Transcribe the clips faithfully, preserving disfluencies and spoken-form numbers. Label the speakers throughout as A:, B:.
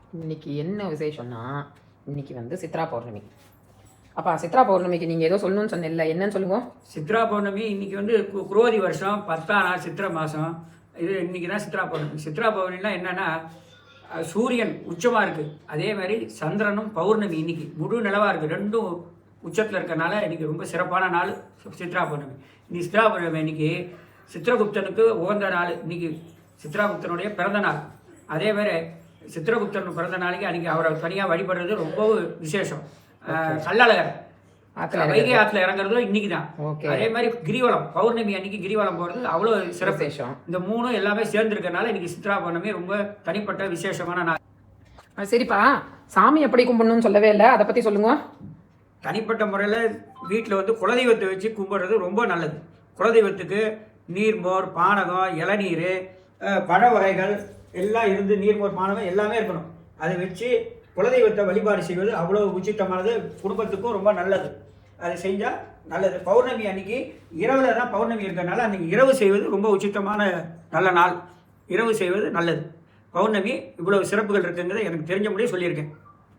A: இன்னைக்கு என்ன விசேஷம்னா, இன்னைக்கு வந்து சித்ரா பௌர்ணமி. அப்பா சித்ரா பௌர்ணமிக்கு நீங்கள் ஏதோ சொல்லணும்னு சொன்னேன்ல, என்னன்னு சொல்லுங்க.
B: சித்ரா பௌர்ணமி இன்னைக்கு வந்து கு- குரோதி வருஷம் பத்தாம் நாள் சித்திரை மாதம். இது இன்னைக்கு தான் சித்ரா பௌர்ணமி. சித்ரா பௌர்ணமினா என்னன்னா, அஹ், சூரியன் உச்சமாக இருக்குது, அதே மாதிரி சந்திரனும் பௌர்ணமி இன்னைக்கு முழு நிலவாக இருக்குது. ரெண்டும் உச்சத்தில் இருக்கறனால இன்னைக்கு ரொம்ப சிறப்பான நாள் சி- சித்ரா பௌர்ணமி. இன்னைக்கு சித்ரா பௌர்ணமி இன்னைக்கு சித்திரகுப்தனுக்கு உகந்த நாள். இன்னைக்கு சித்ராகுப்தனுடைய பிறந்த நாள். அதே மாதிரி சித்திரகுப்தன் பிறந்த நாளைக்கு அன்றைக்கி அவரை தனியாக வழிபடுறது ரொம்ப விசேஷம். அஹ், கள்ளழகர்
A: ஆத்துல
B: வைகை ஆற்றுல இறங்குறதும் இன்னைக்கு தான்.
A: ஓகே.
B: அதே மாதிரி கிரிவலம் பௌர்ணமி அன்னைக்கு கிரிவலம் போகிறது அவ்வளோ சிறப்பு.
A: விசேஷம்.
B: இந்த மூணும் எல்லாமே சேர்ந்துருக்கனால இன்னைக்கு சித்ரா பௌர்ணமி ரொம்ப தனிப்பட்ட விசேஷமான நாள்.
A: ஆ, சரிப்பா, சாமி எப்படி கும்பிடணும்னு சொல்லவே இல்லை, அதை பற்றி சொல்லுங்க.
B: தனிப்பட்ட முறையில் வீட்டில் வந்து குலதெய்வத்தை வச்சு கும்பிட்றது ரொம்ப நல்லது. குலதெய்வத்துக்கு நீர்மோர், பானகம், இளநீர், அஹ், பழ வகைகள் எல்லாம் இருந்து நீர்மோர், பானகம் எல்லாமே இருக்கணும். அதை வச்சு குலதெய்வத்தை வழிபாடு செய்வது அவ்வளோ உச்சித்தமானது, குடும்பத்துக்கும் ரொம்ப நல்லது. அதை செஞ்சால் நல்லது. பௌர்ணமி அன்னைக்கு இரவில் தான் பௌர்ணமி இருக்கிறனால அன்றைக்கி இரவு செய்வது ரொம்ப உச்சித்தமான நல்ல நாள். இரவு செய்வது நல்லது. பௌர்ணமி இவ்வளவு சிறப்புகள் இருக்குங்கிறத எனக்கு தெரிஞ்ச முடியும் சொல்லியிருக்கேன்.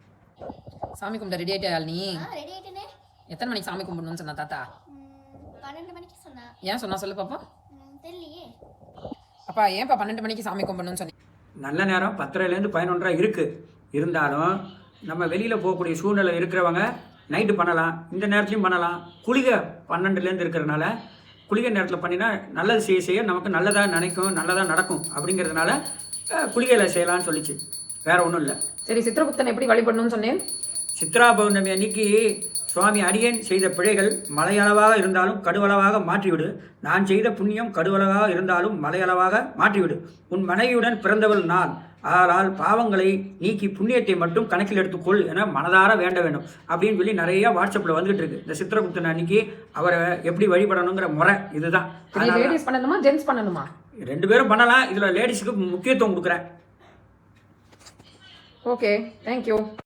A: சாமி கும்பிட ரெடி ஆகிட்டா நீ?
C: ஆ ரெடி ஆயிட்டேனே.
A: எத்தனை மணிக்கு சாமி கும்பிடணும்னு சொன்னா தாத்தா?
C: ம், பன்னெண்டு மணிக்கு சொன்னா.
A: ஏன் சொன்னா சொல்லு பாப்பா.
C: ம், தெரியலையே.
A: அப்பா ஏன்ப்பா பன்னெண்டு மணிக்கு சாமி கும்பிடணும்னு சொன்னீங்க?
B: நல்ல நேரம் பத்தரைலேருந்து பதினொன்றரை இருக்குது. இருந்தாலும் நம்ம வெளியில் போகக்கூடிய சூழ்நிலை இருக்கிறவங்க நைட்டு பண்ணலாம், இந்த நேரத்துலையும் பண்ணலாம். குளிகை பன்னெண்டுலேருந்து இருக்கிறனால குளிகை நேரத்தில் பண்ணினா நல்லது செய்ய செய்ய நமக்கு நல்லதாக நினைக்கும், நல்லதாக நடக்கும். அப்படிங்கிறதுனால அஹ், குளிகையில் செய்யலாம்னு சொல்லிச்சு. வேறு ஒன்றும் இல்லை.
A: சரி, சித்திரகுப்தன் எப்படி வழிபடணும்னு சொன்னேன்?
B: சித்ரா பௌர்ணமி அன்னைக்கு சுவாமி அடியேன் செய்த பிழைகள் மலையளவாக இருந்தாலும் கடுவளவாக மாற்றிவிடு. நான் செய்த புண்ணியம் கடுவளவாக இருந்தாலும் மலையளவாக மாற்றிவிடு. உன் மனைவியுடன் பிறந்தவள் நான், ஆளால் பாவங்களை நீக்கி புண்ணியத்தை மட்டும் கணக்கில் எடுத்துக்கொள் என மனதார வேண்ட வேண்டும் அப்படின்னு சொல்லி நிறைய வாட்ஸ்அப்பில் வந்துகிட்டு இருக்கு. இந்த சித்திரகுப்தன் அன்னைக்கு அவரை எப்படி வழிபடணுங்கிற முறை இதுதான்.
A: லேடிஸ் பண்ணணுமா ஜென்ஸ் பண்ணணுமா?
B: ரெண்டு பேரும் பண்ணலாம். இதில் லேடிஸுக்கு முக்கியத்துவம் கொடுக்குறேன்.
A: Okay, thank you.